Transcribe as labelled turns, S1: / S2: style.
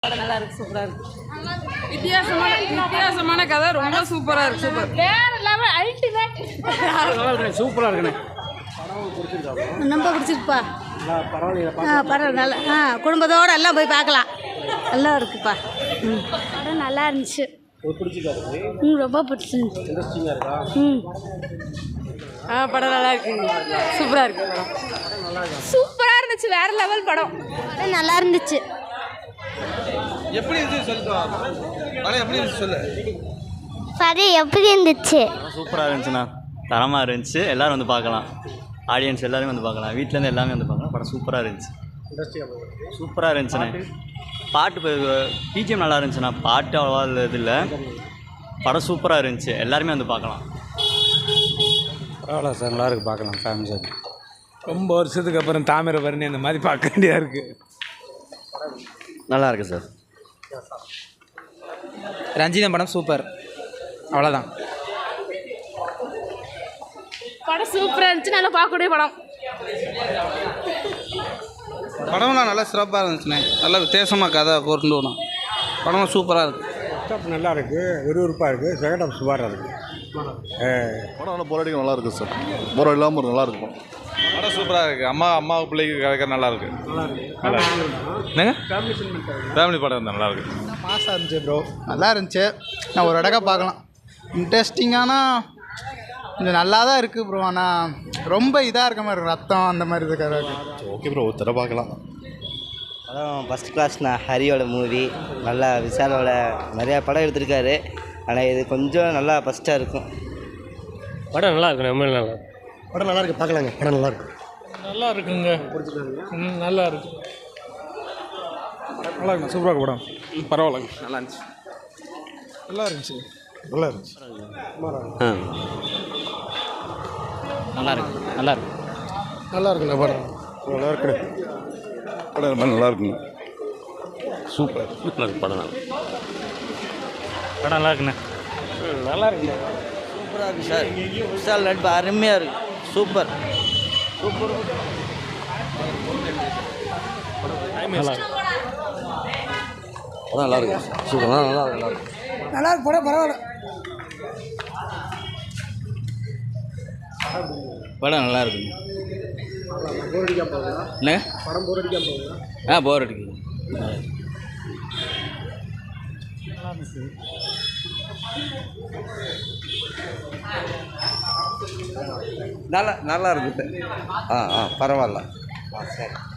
S1: படம் நல்லா இருக்கு, சூப்பரா இருக்கு.
S2: வித்தியாசமான கதை, ரொம்ப சூப்பரா இருக்கு. சூப்பர்,
S1: வேற லெவல், அல்டிமேட்.
S3: சூப்பரா இருக்குண்ணே.
S1: ரொம்ப பிடிச்சிருக்குப்பா. பரவாயில்ல, நல்லா குடும்பத்தோடு எல்லாம் போய் பார்க்கலாம். நல்லா இருக்குப்பா. படம் நல்லா இருந்துச்சு. ரொம்ப பிடிச்சிருந்துச்சு.
S2: படம் நல்லா இருக்கு, சூப்பரா இருக்கு.
S1: சூப்பரா இருந்துச்சு, வேற லெவல் படம். நல்லா இருந்துச்சு.
S4: எப்படி இருந்துச்சு சொல்லுவா? படம் எப்படி இருந்துச்சு சொல்லு.
S5: படம் எப்படி இருந்துச்சு?
S6: சூப்பராக இருந்துச்சுண்ணா, தரமாக இருந்துச்சு. எல்லோரும் வந்து பார்க்கலாம், ஆடியன்ஸ் எல்லோரும் வந்து பார்க்கலாம், வீட்டிலேருந்து எல்லாமே வந்து பார்க்கலாம். படம் சூப்பராக இருந்துச்சு, சூப்பராக இருந்துச்சுண்ணே. பாட்டு பிஜிஎம் நல்லா இருந்துச்சுண்ணா, பாட்டு அவ்வளோவா இது இல்லை. படம் சூப்பராக இருந்துச்சு, எல்லாருமே வந்து பார்க்கலாம்.
S3: பரவாயில்ல சார், நல்லா இருக்குது, பார்க்கலாம் ஃபேமிலி சார். ரொம்ப வருஷத்துக்கு அப்புறம் தாமிரபரணி அந்த மாதிரி பார்க்க வேண்டியதாக இருக்குது.
S6: நல்லா இருக்குது சார்.
S7: ரஞ்சிதம் படம் சூப்பர், அவ்வளோதான்.
S1: படம் சூப்பராக இருந்துச்சு, நல்லா பார்க்கக்கூடிய படம்.
S4: படம்லாம் நல்லா சிறப்பாக இருந்துச்சுண்ணே. நல்லா வித்தியாசமாக கதை கொண்டு வரணும். படம் சூப்பராக இருக்குது.
S3: ஃபர்ஸ்ட் நல்லா இருக்குது, விறுவிறுப்பாக இருக்குது. செகண்ட் ஹாஃப் சூப்பராக இருக்குது.
S8: படம் நல்லா போராடிக்க நல்லா இருக்குது சார். போராடி இல்லாமல் நல்லா இருக்கும்.
S4: படம் சூப்பராக இருக்குது. அம்மா பிள்ளைக்கு கிடைக்கிற நல்லா இருக்குது. என்னங்க ஃபேமிலி படம் இருந்தால் நல்லா இருக்குது.
S7: மாசாக இருந்துச்சு ப்ரோ, நல்லா இருந்துச்சு. நான் ஒரு இடக்கா பார்க்கலாம். இன்ட்ரெஸ்டிங்கானா கொஞ்சம் நல்லா தான் இருக்குது ப்ரோ. ஆனால் ரொம்ப இதாக இருக்க மாதிரி இருக்கும், ரத்தம் அந்த மாதிரி இருக்கிற.
S8: ஓகே ப்ரோ, ஒரு தடவை பார்க்கலாம்.
S9: படம் ஃபஸ்ட் கிளாஸ்ண்ணா. ஹரியோட மூவி நல்லா, விஷாலோட நிறையா படம் எடுத்திருக்காரு. ஆனால் இது கொஞ்சம் நல்லா ஃபஸ்ட்டாக இருக்கும்.
S3: படம் நல்லா இருக்கு, ரொம்ப நல்லா.
S8: படம் நல்லா இருக்குது, பார்க்கலாங்க. படம் நல்லா இருக்குது.
S3: நல்லா இருக்குங்க, நல்லா இருக்கு. நல்லா இருக்குண்ணா, சூப்பராக இருக்கு படம். பரவாயில்லங்க,
S4: நல்லா இருந்துச்சு.
S3: நல்லா இருந்துச்சு, நல்லா இருந்துச்சு.
S6: நல்லா இருக்கு, நல்லா இருக்கு,
S3: நல்லா இருக்குண்ணா படம். நல்லா இருக்குண்ணே.
S8: படம் ரொம்ப நல்லா இருக்குங்க. சூப்பர்,
S6: நல்லா இருக்கு. படம்
S7: படம் நல்லா இருக்குண்ணே.
S3: நல்லா இருக்குண்ணே.
S9: சூப்பராக இருக்குது சார். விஷால் நடிப்பு அருமையாக இருக்குது. Super super.
S8: படம் நல்லா இருக்கு. சூப்பர், நல்லா இருக்கு.
S7: நல்லா இருக்கு படம், பரவாயில்ல.
S6: படம் நல்லா இருக்குங்க. என்ன படம் போர் அடிக்காம போர் அடிக்குது.
S4: நல்லா இருக்குது. பரவாயில்ல. சரி.